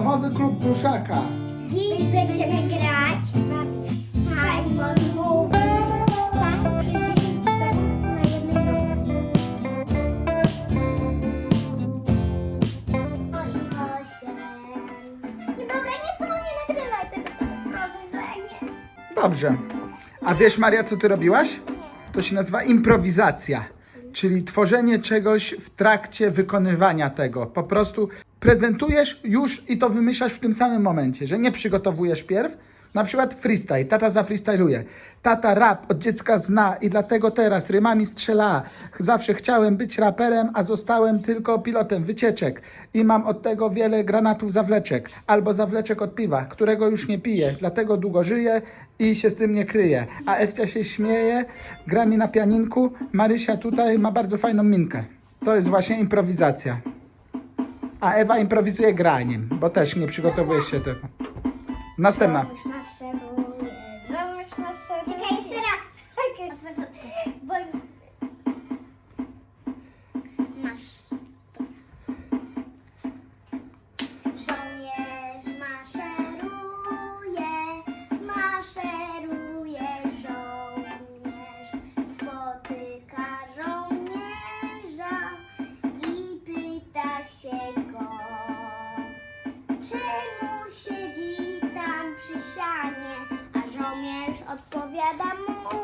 Domowy klub pluszaka. Dziś będziemy grać Simon mówi. Wstań, przyjrzyj się na jednej nodze. Oj, osiem. Nie, dobra, nie nagrywaj tego, proszę, źle, nie. Dobrze. A wiesz, Maria, co ty robiłaś? To się nazywa improwizacja, czyli tworzenie czegoś w trakcie wykonywania tego. Po prostu prezentujesz już i to wymyślasz w tym samym momencie, że nie przygotowujesz pierw. Na przykład freestyle. Tata zafreestyluje. Tata rap od dziecka zna i dlatego teraz rymami strzela. Zawsze chciałem być raperem, a zostałem tylko pilotem wycieczek. I mam od tego wiele granatów zawleczek. Albo zawleczek od piwa, którego już nie piję. Dlatego długo żyję i się z tym nie kryję. A Ewcia się śmieje, gra mi na pianinku. Marysia tutaj ma bardzo fajną minkę. To jest właśnie improwizacja. A Ewa improwizuje graniem, bo też nie przygotowujesz się tego. Następna. Żołnierz maszeruje, żołnierz maszeruje. Czekaj, jeszcze raz. Bo... Masz. Żołnierz maszeruje, maszeruje żołnierz. Spotyka żołnierza i pyta się go, czemu siedzi tam przy sianie, a żołnierz odpowiada mu.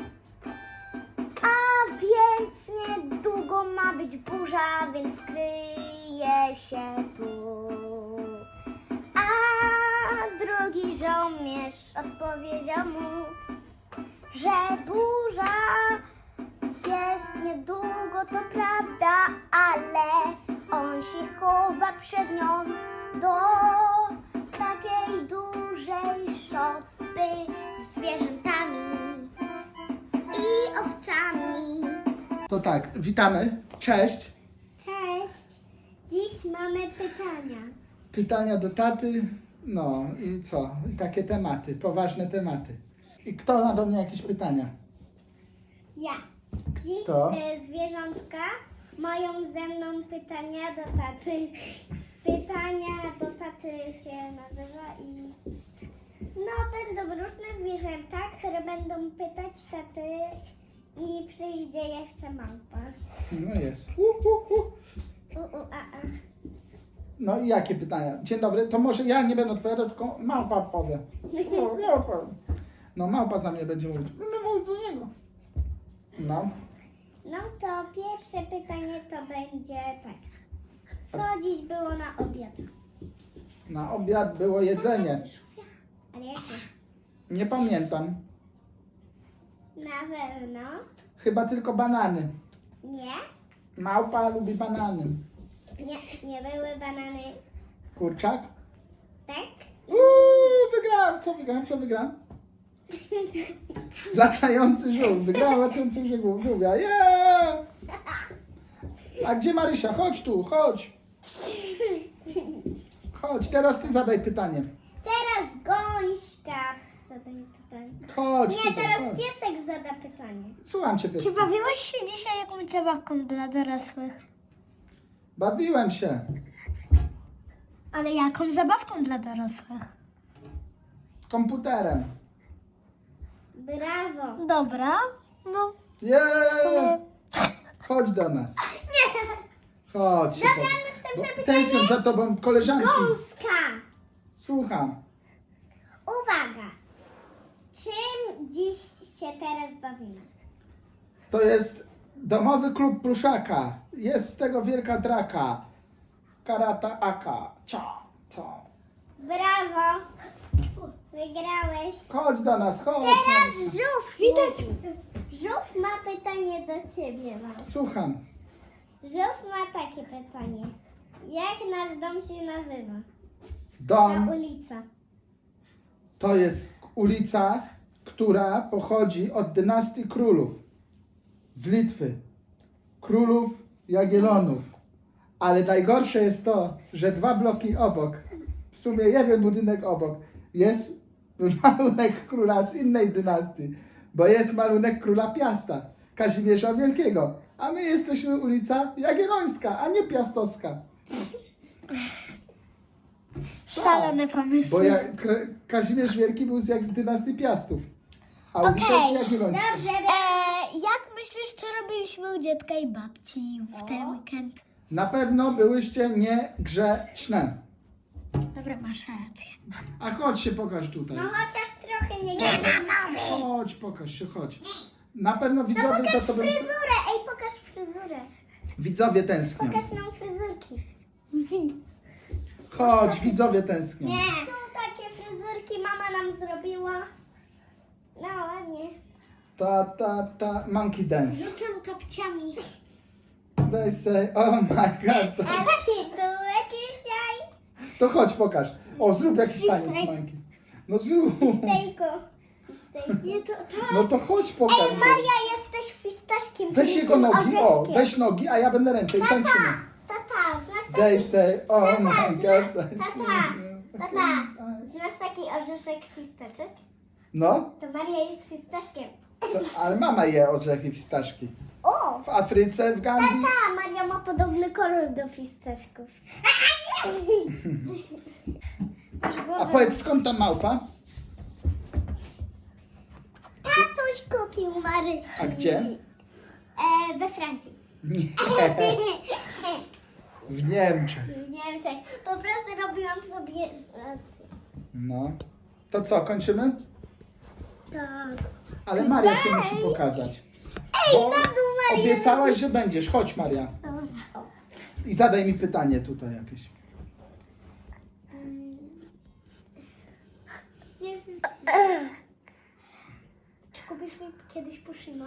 A więc niedługo ma być burza, więc kryje się tu. A drugi żołnierz odpowiedział mu, że burza jest niedługo, to prawda, ale on się chowa przed nią do takiej dużej szopy z zwierzętami i owcami. To tak, witamy. Cześć. Cześć! Dziś mamy pytania. Pytania do taty. No i co? I takie tematy, poważne tematy. I kto ma do mnie jakieś pytania? Ja. Dziś Kto? Zwierzątka mają ze mną pytania do taty. Pytania do taty się nazywa i będą różne zwierzęta, które będą pytać taty i przyjdzie jeszcze małpa. No jest. A. No i jakie pytania? Dzień dobry, to może ja nie będę odpowiadał, tylko małpa powie. No, ja odpowiem. No małpa za mnie będzie mówić. No mówić do niego. No. No to pierwsze pytanie to będzie tak. Co dziś było na obiad? Na obiad było jedzenie. Ale jakie? Nie pamiętam. Na pewno Chyba tylko banany. nie. Małpa lubi banany. Nie były banany. Kurczak? Tak? Wygrałem. Co wygrałem? Latający żółw. Wygrałem latający żółwia. Yeah! A gdzie Marysia? Chodź tu, chodź. Chodź, teraz ty zadaj pytanie. Teraz Gońśka zadaje pytanie. Chodź Nie, tutaj, teraz chodź. piesek zada pytanie. Słucham cię, piesku. bawiłeś się dzisiaj jakąś zabawką dla dorosłych? Bawiłem się. Ale jaką zabawką dla dorosłych? Komputerem. Brawo. Dobra. No. Yeah! Chodź do nas. Nie. Chodź. Dobra, bo następne pytanie. tęsknię za tobą, koleżanki. Gąska. Słucham. Uwaga. Czym dziś się teraz bawimy? To jest domowy klub pluszaka. Jest z tego wielka draka. Karata aka. Cia. Brawo. Wygrałeś. Chodź do nas, chodź. Teraz Marysia. żółw. Widać. Żółw ma pytanie do ciebie, mam. Słucham. Żółw ma takie pytanie. Jak nasz dom się nazywa? Dom Ta ulica. to jest ulica, która pochodzi od dynastii królów z Litwy. Królów Jagiellonów. Ale najgorsze jest to, że 2 bloki obok, w sumie 1 budynek obok, jest malunek króla z innej dynastii, bo jest malunek króla Piasta, Kazimierza Wielkiego, a my jesteśmy ulica Jagiellońska, a nie Piastowska. Szalone pomysły. Bo Kazimierz Wielki był z dynastii Piastów. A ulica Okej, jest Jagiellońska. dobrze. Jak myślisz, co robiliśmy u dziadka i babci w ten weekend? Na pewno byłyście niegrzeczne. Dobra, masz rację. A chodź się pokaż tutaj. No chociaż trochę nie mamy. Chodź, pokaż się, chodź. Na pewno widzowie za tobą... Fryzurę, ej, pokaż fryzurę. Widzowie tęsknią. Pokaż nam fryzurki. Chodź, widzowie tęsknią. Nie. Tu takie fryzurki mama nam zrobiła. No ładnie. Monkey dance. Rzucam kapciami. They say, oh my god. A tytułek dzisiaj? To chodź, pokaż. O, zrób jakiś taniec, Stej. Monkey. No zrób. Stejko. Nie, to tak. No to chodź, pokaż. Ej, Maria, jesteś fistaszkiem. Weź czyli jego tym nogi, o, orzeszkiem. weź nogi, a ja będę ręce i tańczymy. Tata, znasz They taki... say, oh my god. Tata, znasz taki orzeszek fistaszek? No, To Maria jest fistaszkiem. ale mama je orzechy fistaszki. O! W Afryce, w Gambii. Tata, Maria ma podobny kolor do fistaszków. Masz A głowę. powiedz, skąd ta małpa? Tatuś kupił Marysi. A gdzie? We Francji. Nie. W Niemczech. W Niemczech. Po prostu robiłam sobie żarty. No. To co, kończymy? Tak. Ale Maria się musi pokazać. Ej, Bo na dół Maria. obiecałaś, że będziesz. Chodź, Maria. O. I zadaj mi pytanie tutaj jakieś. Nie wiem. Czy kupisz mi kiedyś Pushima?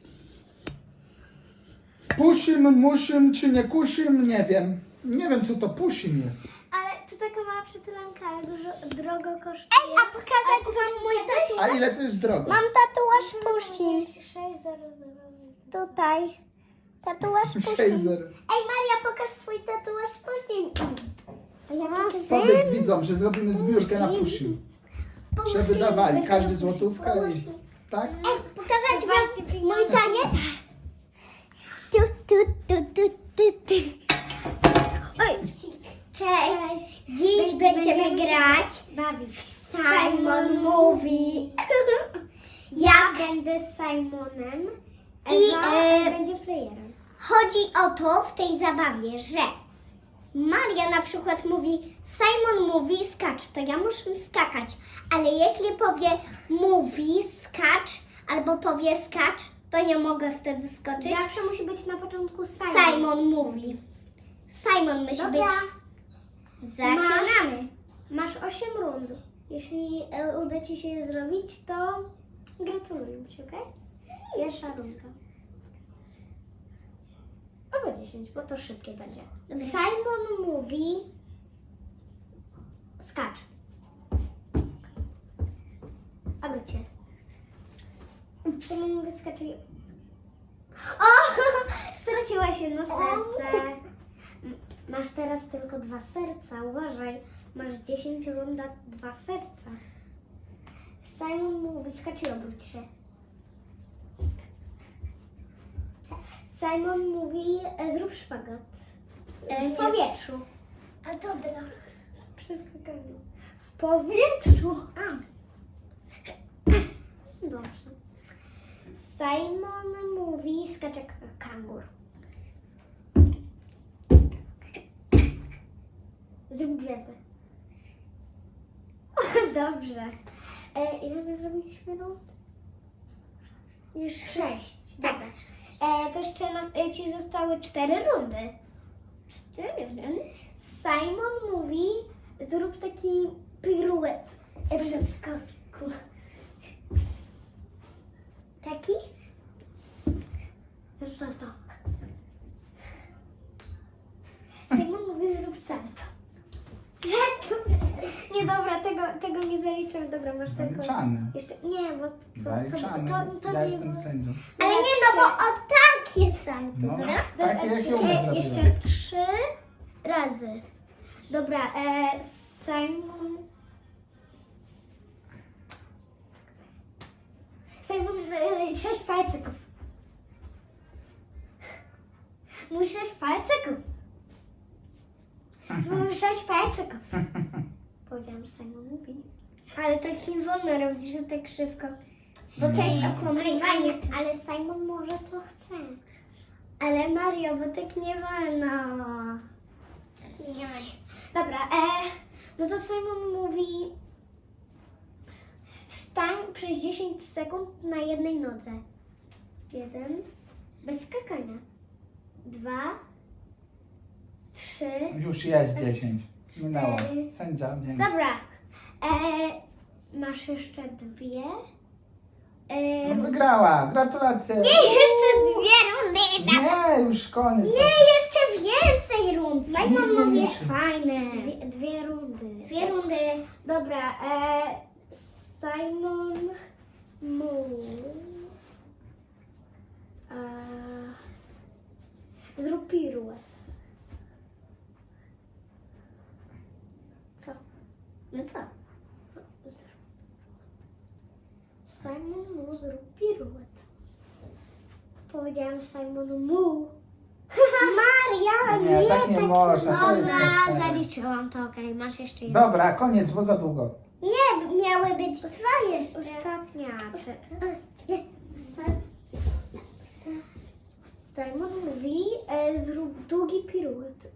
Pusim, musim czy nie kusim, nie wiem. Nie wiem, co to pusim jest. Ale to taka mała przytulanka, ale dużo drogo kosztuje. Ej, a pokazać wam mój tatuaż? A ile to jest drogo? Mam tatuaż Pushim. 600. Tutaj. Tatuaż Pushim. 6-0. Ej, Maria, pokaż swój tatuaż Pushim. A jaki Powiedz widzom, że zrobimy zbiórkę na pusim. Żeby dawali, każdy złotówkę i... Tak? Ej, pokazać wam mój taniec? Tu, tu, tu, tu, tu, tu. Oj, cześć. Dziś będziemy grać w Simon Mówi. Ja będę Simonem i będzie playerem. Chodzi o to w tej zabawie, że Maria na przykład mówi Simon mówi skacz, to ja muszę skakać. Ale jeśli powie mówi skacz albo powie skacz, to nie mogę wtedy skoczyć. Zawsze musi być na początku Simon mówi. Simon musi Dobra. być. Zaczynamy. Masz 8 rund. Jeśli uda Ci się je zrobić, to gratuluję Ci, okej? Pierwsza rundka. Albo 10, bo to szybkie będzie. Dobra. Simon mówi skacz. Obróć się. Simon mówi skacz i... O! Straciłaś jedno serce. Masz teraz tylko 2 serca. Uważaj. Masz 10 runda, 2 serca. Simon mówi skacz i obróć się. Simon mówi zrób szpagat. W powietrzu. A dobra. Przeskakanie. W powietrzu. A. Dobrze. Simon mówi skacz jak kangur. Zrób gwiazdę. Dobrze. Ile my zrobiliśmy rund? Już 6. Dobra. To jeszcze Ci zostały 4 rundy. 4 rundy? Simon mówi, zrób taki piruet przy skoku. Taki? Zrób salto. Simon mówi, zrób salto. Żartu! Nie, dobra, tego nie zaliczam. Dobra, masz tylko... Zaliczamy. Jeszcze, nie, bo Zaliczamy. to Ja nie jestem było. sędzią. Ale nie, no bo o tak jest salto, No, dobra? takie jak ja umiem Jeszcze zrobiłem. 3 razy. Dobra, Simon... Simon, 6 palceków. Mój 6 palceków. Mam 6 palceków. Powiedziałam Simon mówi. Ale tak nie wolno robić, że tak szybko. Bo to jest okłamywanie. Ale Simon może co chce. Ale Mario, bo tak nie wolno. Nie. Dobra, no to Simon mówi stań przez 10 sekund na jednej nodze. 1, bez skakania. 2, 3. Już jest 10. Minęło. 4. Sędzia, dzień. Dobra, masz jeszcze 2. No wygrała, gratulacje. Jeszcze 2 rundy. Nie, już koniec. Nie, jeszcze więcej rund. Simon Nie mówi liczy. fajne. Dwie rundy. 2 rundy. Dobra, Simon mówi zrób piruet. Co? No co? Simon mu zrób piruet. Powiedziałam Simon mu. Maria, Nie, tak nie można. To jest Dobra, nie fair. zaliczyłam to, okej, masz jeszcze jedno. Dobra, koniec, bo za długo. Nie, miały być 2 jeszcze. Ostatnia. Simon mówi, zrób długi piruet.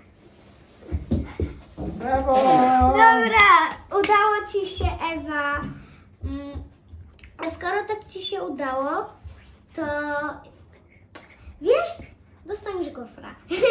Brawo! Dobra, udało ci się, Ewa. A skoro tak ci się udało, to Wiesz, dostaniesz gofra.